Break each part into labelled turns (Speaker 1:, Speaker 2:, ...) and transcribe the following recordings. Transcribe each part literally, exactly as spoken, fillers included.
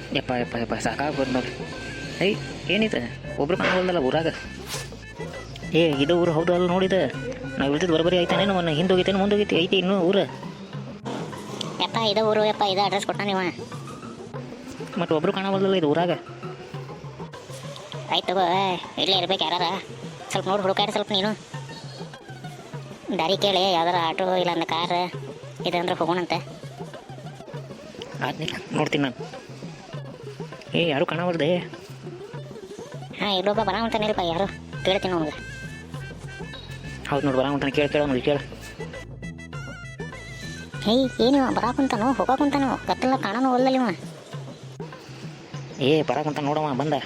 Speaker 1: ಯಪ್ಪ ಯಪ್ಪ ಯಪ್ಪ ಸಾಕಾಗ್ಬೋದು ನೋಡ್ರಿ. ಐ ಏನಿದೆ ಒಬ್ರು ಕಾಣವಲ್ದಲ್ಲ ಊರಾಗ. ಏ ಇದು ಊರು ಹೌದು ಅಲ್ಲ ನೋಡಿದ. ನಾವು ಇಳ್ದಿದ್ದು ಬರಬರಿ ಆಯ್ತಾನೆ ಅವನ್ನ ಹಿಂದೆ ಹೋಗಿತೇನೆ ಮುಂದೆ ಹೋಗಿತ್ತು ಐತಿ ಇನ್ನೂ ಊರು.
Speaker 2: ಯಪ್ಪ ಇದು ಊರು ಯಪ್ಪ ಇದು ಅಡ್ರೆಸ್ ಕೊಟ್ಟ ನೀವ.
Speaker 1: ಮತ್ತು ಒಬ್ರು ಕಾಣವಲ್ದಲ್ಲ ಇದು ಊರಾಗ.
Speaker 2: ಆಯ್ತು ತಗೋ ಇಲ್ಲೇ ಇರ್ಬೇಕು ಯಾರಾರ. ಸ್ವಲ್ಪ ನೋಡಿ ಹುಡುಕಾಡಿ ಸ್ವಲ್ಪ ನೀನು ದಾರಿ ಕೇಳಿ ಯಾವ್ದಾರ ಆಟೋ ಇಲ್ಲ ಅಂದ್ರೆ ಕಾರ್ ಇದೆ ಅಂದ್ರೆ ಹೋಗೋಣಂತೆ.
Speaker 1: ಆದ್ನಿಲ್ಲ ನೋಡ್ತೀನಿ ನಾನು. ಏ ಯಾರು ಕಾಣವಲ್ದೆ.
Speaker 2: ಹಾಂ ಇಲ್ಲೊಬ್ಬ ಬರಾಮಂತಾನಿಲ್ಪ ಯಾರು ಕೇಳ್ತೀನಿ ಅವನಿಗೆ.
Speaker 1: ಹೌದು ನೋಡಿ ಬರಾಮಂತಾನೆ ಕೇಳಿ ಕೇಳೋ ನೋಡಿ ಕೇಳ.
Speaker 2: ಹೇಯ್ ಏನಿವ ಬರಾಕುಂತಾನು ಹೋಗಾಕುಂತಾನು ಗತ್ತಲ್ಲ ಕಾಣೋನು ಒಲ್ಲಲ್ಲ ಇವ.
Speaker 1: ಏ ಬರಾಕಂತ ನೋಡವ ಬಂದ.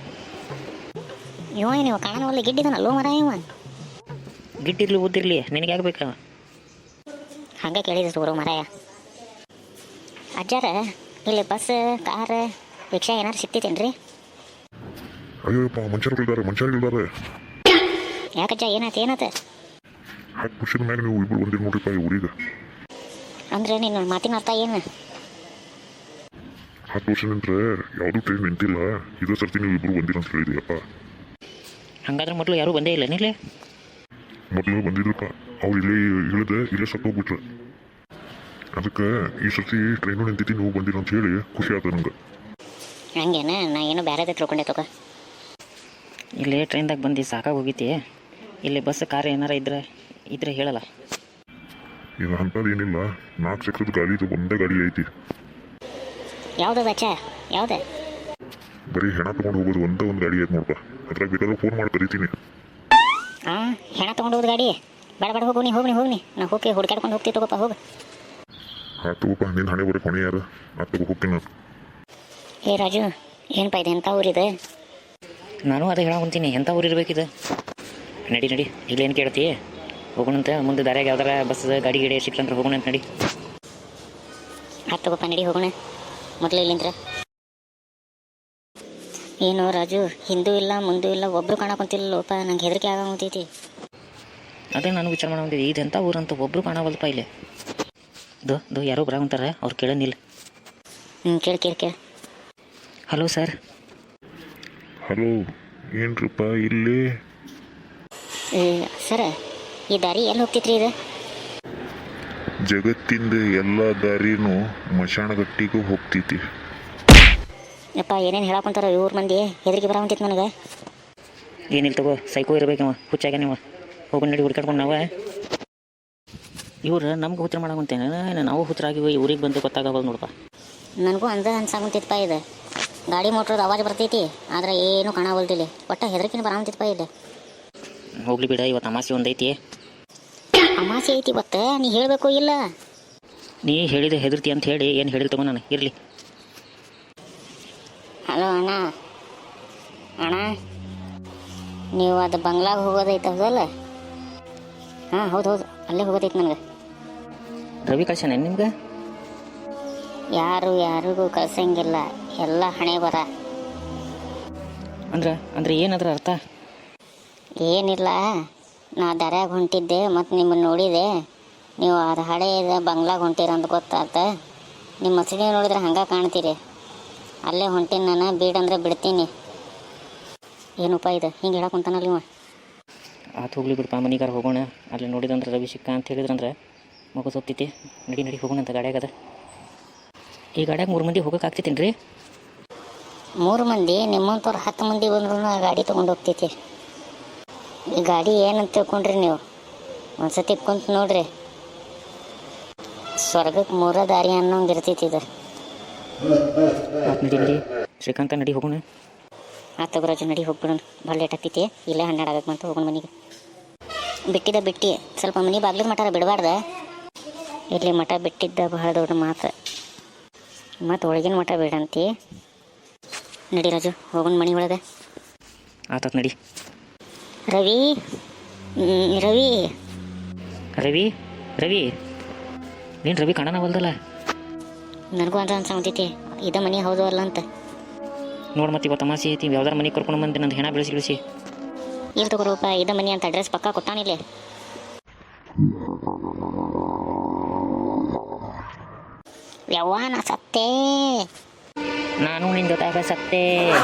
Speaker 2: ಇವ ಏನಿವ ಕಾಣೋನು ಒಲ್ಲ ಗಿಡ್ಡಿದನಲ್ಲೋ ಮರ ಇವ.
Speaker 1: ಗಿಡ್ಡಿರ್ಲಿ ಉದ್ದಿರ್ಲಿ ನಿನಗೆ ಆಗ್ಬೇಕ.
Speaker 2: ಹಂಗೆ ಕೇಳಿದ್ರು ಊರು ಮರಾಯ. ಅಜ್ಜಾರ ಇಲ್ಲಿ ಬಸ್ ಕಾರ್ ರಿಕ್ಷಾ ಏನಾರು ಸಿಗ್ತೈತೇನ್ರಿ?
Speaker 3: ಅಯ್ಯೋಪ್ಪ ಮನುಷ್ಯರಿದ್ದಾರೆ ಮನುಷ್ಯರಿದ್ದಾರೆ.
Speaker 2: ಯಾಕಜ್ಜ ಏನಾಯ್ತು ಏನಾಯ್ತು?
Speaker 3: ಹತ್ತು ವರ್ಷದ ಮ್ಯಾಗ ನೀವು ಇಬ್ಬರು ಬಂದಿರಿ ನೋಡ್ರಿಪ್ಪ ಈ ಊರಿಗೆ.
Speaker 2: ಅಂದ್ರೆ ನಿನ್ನ ಮಾತಿನ ಅರ್ಥ ಏನು?
Speaker 3: ಹತ್ತು ವರ್ಷ ನಿಂತ್ರೆ ಯಾವುದೂ ಟ್ರೈನ್ ನಿಂತಿಲ್ಲ, ಇದೇ ಸರ್ತಿ ನೀವು ಇಬ್ಬರು ಬಂದಿರ ಅಂತ ಹೇಳಿದೆಯಪ್ಪ.
Speaker 1: ಹಂಗಾದ್ರೆ ಮೊದಲು ಯಾರೂ ಬಂದೇ ಇಲ್ಲ ನಿಲ್ಲೇ?
Speaker 3: ಮೊದಲು ಬಂದಿದ್ರಪ್ಪ, ಅವ್ರು ಇಲ್ಲೇ ಇಳಿದೆ ಇಲ್ಲೇ ಸತ್ತೋಗ್ಬಿಟ್ರೆ. ಅದಕ್ಕೆ ಈ ಸರ್ತಿ ಟ್ರೈನು ನಿಂತೈತಿ ನೀವು ಬಂದಿರ ಅಂತ ಹೇಳಿ ಖುಷಿ ಆಯ್ತು ನಂಗೆ.
Speaker 2: ಹಂಗೇನ ನಾ ಏನೋ ಬೇರೆದೇ ತಿಳ್ಕೊಂಡೆ ತಗೋ.
Speaker 1: ಇಲ್ಲೇ ಟ್ರೈನ್ದಾಗ ಬಂದು ಸಾಕಾಗಿ ಹೋಗಿತಿ. ಇಲ್ಲಿ ಬಸ್ ಕಾರ್ ಏನಾರ ಇದ್ರೆ ಇದ್ರೆ ಹೇಳಲ್ಲ.
Speaker 3: ಈಗ ಅಂಥದ್ದು ಏನಿಲ್ಲ, ನಾಲ್ಕು ಚಕ್ರದ ಗಾಡಿ ಇದು ಒಂದೇ ಗಾಡಿ ಐತಿ.
Speaker 2: ಯಾವ್ದು ಅಚ್ಚ ಯಾವ್ದು?
Speaker 3: ಬರೀ ಹೆಣ ತೊಗೊಂಡು ಹೋಗೋದು ಒಂದೇ ಒಂದು ಗಾಡಿ ಐತೆ ನೋಡಪ್ಪ. ಅದ್ರಾಗ ಬೇಕಾದ್ರೆ ಫೋನ್ ಮಾಡಿ ಕರಿತೀನಿ.
Speaker 2: ಹಾಂ ಹೆಣ ತೊಗೊಂಡು ಹೋಗೋದು ಗಾಡಿ ಬೇಡ ಬೇಡ ಹೋಗು ನೀ ಹೋಗಿ ನೀ ಹೋಗಿ ನೀ ನಾ ಹೋಗಿ ಹುಡ್ಕಾಡ್ಕೊಂಡು ಹೋಗ್ತೀವಿ ತಗೋಪ್ಪ ಹೋಗು.
Speaker 3: ಹಾಂ ತಗೋಪ್ಪ ನಿನ್ನ ಹಣೆ ಬರೀ ಹೊಣೆ ಯಾರು ಆ ತಗೋ ಹೋಗ್ತೀನಿ ನಾನು.
Speaker 2: ಏ ರಾಜು ಏನಪ್ಪ ಇದೆ ಎಂಥ ಊರಿದೆ?
Speaker 1: ನಾನು ಅದೇ ಹೇಳಾಕೊಂತೀನಿ ಎಂಥ ಊರು ಇರಬೇಕಿದೆ. ನಡಿ ನಡಿ ಇಲ್ಲೇನು ಕೇಳ್ತಿ ಹೋಗೋಣಂತ. ಮುಂದೆ ದಾರ್ಯಾಗ ಯಾವ್ದಾರ ಬಸ್ ಗಾಡಿ ಗಿಡಿ ಸಿಕ್ತಂದ್ರೆ ಹೋಗೋಣ ಅಂತ ನಡಿ.
Speaker 2: ಹತ್ತು ತಗೋಪ್ಪ ನಡಿ ಹೋಗೋಣ ಮೊದಲು ಇಲ್ಲಿಂದ್ರೆ. ಏನು ರಾಜು ಹಿಂದೂ ಇಲ್ಲ ಮುಂದೂ ಇಲ್ಲ ಒಬ್ಬರು ಕಾಣಕೊಂತಿಲ್ಲಪ್ಪ, ನಂಗೆ ಹೆದರಿಕೆ ಆಗೋತೈತಿ.
Speaker 1: ಅದೇ ನಾನು ವಿಚಾರ ಮಾಡೋದಿದ್ದೆ ಇದು ಎಂಥ ಊರು ಅಂತ ಒಬ್ಬರು ಕಾಣವಲ್ಲಪ್ಪ ಇಲ್ಲಿ. ದೋ ದೋ ಯಾರೋ ಬರಾಕಂತಾರೆ ಅವ್ರು ಕೇಳೋನಿಲ್ಲ.
Speaker 2: ಹ್ಞೂ ಕೇಳಿ ಕೇಳಿ ಕೇಳಿ.
Speaker 1: Hello sir.
Speaker 3: ಹಲೋ ಏನ್ರಪ್ಪ ಇಲ್ಲಿ?
Speaker 2: ಸರ ಈ ದಾರಿ ಎಲ್ಲಿ ಹೋಗ್ತೈತ್ರಿ ಇದು?
Speaker 3: ಜಗತ್ತಿಂದ ಎಲ್ಲ ದಾರಿನೂ ಮಶಾಣಗಟ್ಟಿಗೂ ಹೋಗ್ತೈತಿ.
Speaker 2: ಯಪ್ಪ ಏನೇನು ಹೇಳಕೊಂತಾರ ಇವ್ರ ಮಂದಿ, ಹೆದರಿಕೆ ಬರಾಕಂತೈತಿ ನನಗೆ.
Speaker 1: ಏನಿಲ್ಲ ತಗೋ ಸೈಕೋ ಇರ್ಬೇಕವ ಹುಚ್ಚಾಗ ನೀವು ಹೋಗಿ ನಡಿ ಹುಡ್ಕಾಡ್ಕೊಂಡು ನಾವು. ಇವ್ರು ನಮ್ಗೆ ಹುಚ್ಚರ ಮಾಡಾಕಂತೇನೆ ನಾವು ಹುಚ್ಚರಾಗಿವಿ ಊರಿಗೆ ಬಂದು ಗೊತ್ತಾಗವಲ್ಲ ನೋಡಪ್ಪ.
Speaker 2: ನನಗೂ ಅಂದ ಅನ್ಸಾಕಂತೈತಪ್ಪ ಇದು. ಗಾಡಿ ಮೋಟ್ರದ ಅವಾಜ್ ಬರ್ತೈತಿ ಆದ್ರೆ ಏನೂ ಕಾಣವಲ್ದಿಲ್ಲ. ಒಟ್ಟು ಹೆದರಿಕೆನ ಬರಾಕಂತೈತಪ್ಪ ಇಲ್ಲಿ.
Speaker 1: ಹೋಗ್ಲಿ ಬಿಡ ಇವತ್ತು ಅಮಾಸೆ ಒಂದೈತಿ.
Speaker 2: ಅಮಾಸೆ ಐತಿ ಇವತ್ತು ನೀ ಹೇಳಬೇಕು ಇಲ್ಲ?
Speaker 1: ನೀ ಹೇಳಿದ ಹೆದರ್ತಿ ಅಂತ ಹೇಳಿ ಏನು ಹೇಳಿಲ್ ತಗೋ ನಾನು ಇರಲಿ.
Speaker 2: ಹಲೋ ಅಣ್ಣ ಅಣ್ಣ ನೀವು ಅದು ಬಂಗ್ಲಾಗ ಹೋಗೋದೈತೆ ಹೌದಲ್ಲ? ಹಾಂ ಹೌದು ಹೌದು ಅಲ್ಲೇ ಹೋಗೋದೈತೆ ನನಗೆ.
Speaker 1: ರವಿ ಕಳ್ಸಣ ನಿಮ್ಗೆ?
Speaker 2: ಯಾರು ಯಾರಿಗೂ ಕಳ್ಸಂಗಿಲ್ಲ, ಎಲ್ಲ ಹಣೆ ಬರ.
Speaker 1: ಅಂದ್ರೆ ಅಂದ್ರೆ ಏನದ್ರ ಅರ್ಥ?
Speaker 2: ಏನಿಲ್ಲ, ನಾ ದಾರ್ಯಾಗ ಹೊಂಟಿದ್ದೆ ಮತ್ತು ನಿಮ್ಮನ್ನು ನೋಡಿದೆ. ನೀವು ಅದು ಹಳೆಯದ ಬಂಗ್ಲಾಗ ಹೊಂಟಿರ ಅಂತ ಗೊತ್ತಾತ. ನಿಮ್ಮ ಮಸೀದಿ ನೋಡಿದ್ರೆ ಹಂಗೆ ಕಾಣ್ತೀರಿ. ಅಲ್ಲೇ ಹೊಂಟೀನಿ ನಾನು, ಬೀಡಂದ್ರೆ ಬಿಡ್ತೀನಿ. ಏನಪ್ಪ ಇದು ಹಿಂಗೆ ಹೇಳಕ್ಕಂತಾನಲ್ಲ ಇವ.
Speaker 1: ಆತು ಹೋಗ್ಲಿ ಬಿಡಪ್ಪ ಮನಿಗಾರ ಹೋಗೋಣ. ಅಲ್ಲಿ ನೋಡಿದಂದ್ರೆ ರವಿ ಸಿಕ್ಕ ಅಂತ ಹೇಳಿದ್ರಂದ್ರೆ ಮಗು ಸೊಪ್ತೈತಿ. ನಡಿ ನಡಿ ಹೋಗೋಣ ಅಂತ ಗಾಡ್ಯಾಗದ. ಈ ಗಾಡ್ಯಾಗ ಮೂರು ಮಂದಿ ಹೋಗೋಕೆ ಆಗ್ತೈತೇನು ರೀ?
Speaker 2: ಮೂರು ಮಂದಿ ನಿಮ್ಮಂಥವ್ರು ಹತ್ತು ಮಂದಿ ಬಂದ್ರೂ ಗಾಡಿ ತೊಗೊಂಡು ಹೋಗ್ತೈತಿ. ಈ ಗಾಡಿ ಏನಂತ ತಿಳ್ಕೊಂಡ್ರಿ ನೀವು? ಒಂದು ಸತಿ ಕುಂತು ನೋಡ್ರಿ, ಸ್ವರ್ಗಕ್ಕೆ ಮೂರ ದಾರಿ ಅನ್ನೋಂಗೆ ಇರ್ತೈತಿ ಇದು.
Speaker 1: ನಡಿ ನಡಿ ಶ್ರೀಕಾಂತ ನಡಿ ಹೋಗೋಣ.
Speaker 2: ಆತ ಗುರಾಜು ನಡಿ ಹೋಗ್ಬಿಡೋಣ. ಭಾಳ ಲೇಟ್ ಆಗ್ತೈತಿ. ಇಲ್ಲೇ ಹನ್ನೆರಡು ಆಗಕ್ಕೆ ಬಂತು ಹೋಗೋಣ ಮನೆಗೆ. ಬಿಟ್ಟಿದ್ದ ಬಿಟ್ಟು ಸ್ವಲ್ಪ ಮನೆ ಬಾಗ್ಲಿದ ಮಠ ಬಿಡಬಾರ್ದ. ಇಲ್ಲಿ ಮಠ ಬಿಟ್ಟಿದ್ದ ಬಹಳ ದೊಡ್ಡ ಮಾತು. ಮತ್ತು ಒಳಗಿನ ಮಠ ಬೇಡಂತಿ. ನಡಿ ರಾಜು ಹೋಗೋಣ ಮನೆ ಒಳಗೆ.
Speaker 1: ಆತತ್ ನಡಿ.
Speaker 2: ರವಿ ರವಿ
Speaker 1: ರವಿ ರವಿ ನೀನು ರವಿ ಕಾಣನವಲ್ದಲ್ಲ?
Speaker 2: ನನಗೂ ಅಂತ ಅನ್ಸಂತೈತಿ ಇದ ಮನೆ ಹೌದು ಅಲ್ಲ ಅಂತ.
Speaker 1: ನೋಡಿ ಮತ್ತೆ ಇವತ್ತು ತಮಾಸೆ ಐತಿ. ಯಾವ್ದಾರ ಮನೆ ಕರ್ಕೊಂಡು ಬಂದು ನಂದು ಹೆಣ ಬೆಳೆಸಿ ಬೆಳೆಸಿ
Speaker 2: ಇಲ್ಲಿ ತಗೋರಪ್ಪ ಇದ ಮನೆ ಅಂತ ಅಡ್ರೆಸ್ ಪಕ್ಕ ಕೊಟ್ಟಾನಿಲ್ಲ. ಯವ್ವ ನಾ ಸತ್ತೇ.
Speaker 1: ನಾನು ನಿನ್ನ ಜೊತೆಗ ಸತ್ತೇ.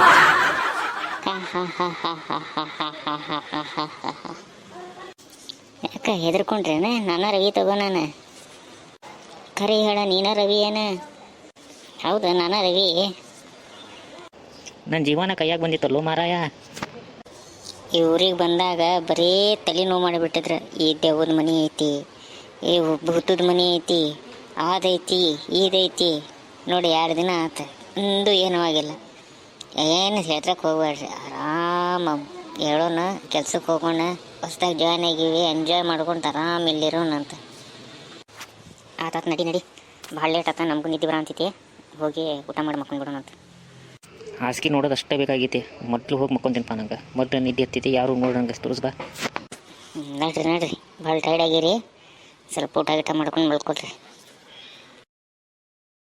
Speaker 2: ಯಾಕೆ ಹೆದರ್ಕೊಂಡ್ರೇನ? ನಾನು ರವಿ ತಗೋ. ನಾನು ಖರೆ ಹೇಳ, ನೀನ ರವಿ ಏನ? ಹೌದಾ, ನಾನು ರವಿ.
Speaker 1: ನನ್ನ ಜೀವನ ಕೈಯಾಗ ಬಂದಿತ್ತಲ್ಲೋ ಮಾರಾಯ.
Speaker 2: ಈ ಊರಿಗೆ ಬಂದಾಗ ಬರೀ ತಲೆ ನೋವು ಮಾಡಿಬಿಟ್ಟಿದ್ರು. ಈ ದೆವ್ವದ ಮನೆ ಐತಿ, ಈ ಭೂತದ ಮನೆ ಐತಿ, ಅದೈತಿ ಇದೈತಿ. ನೋಡಿ ಎರಡು ದಿನ ಆತ, ಒಂದು ಏನೂ ಆಗಿಲ್ಲ. ಏನು ಹೇಳ್ತ್ರಕ್ಕೆ ಹೋಗ್ಬೇಡ್ರಿ, ಆರಾಮ ಹೇಳೋಣ, ಕೆಲ್ಸಕ್ಕೆ ಹೋಗೋಣ, ಹೊಸ್ದಾಗಿ ಜಾಯ್ನ್ ಆಗೀವಿ, ಎಂಜಾಯ್ ಮಾಡ್ಕೊಂಡು ಆರಾಮ ಇಲ್ಲಿರೋಣಂತ. ಆತಾತ, ನಡಿ ನಡಿ, ಭಾಳ ಲೇಟ್ ಆತ, ನಮಗೂ ನಿದ್ದೆ ಬರಂತೈತಿ. ಹೋಗಿ ಊಟ ಮಾಡಿ ಮಕ್ಕೊಂಡ್ಬಿಡೋಣ ಅಂತ.
Speaker 1: ಹಾಸಿಗೆ ನೋಡೋದು ಅಷ್ಟೇ ಬೇಕಾಗೈತಿ. ಮೊದಲು ಹೋಗಿ ಮಕ್ಕೊಂತೀನಪ್ಪ. ನಂಗೆ ಮೊದಲು ನಿದ್ದೆ ಹತ್ತೈತಿ, ಯಾರು ನೋಡೋಂಗೆ ತೋರಿಸ್ ಬಾ.
Speaker 2: ನಡ್ರಿ ನಡ್ರಿ, ಭಾಳ ಟೈರ್ಡ್ ಆಗಿರಿ, ಸ್ವಲ್ಪ ಊಟ ಗೀಟ ಮಾಡ್ಕೊಂಡು ಮಲ್ಕೊಳ್ರಿ.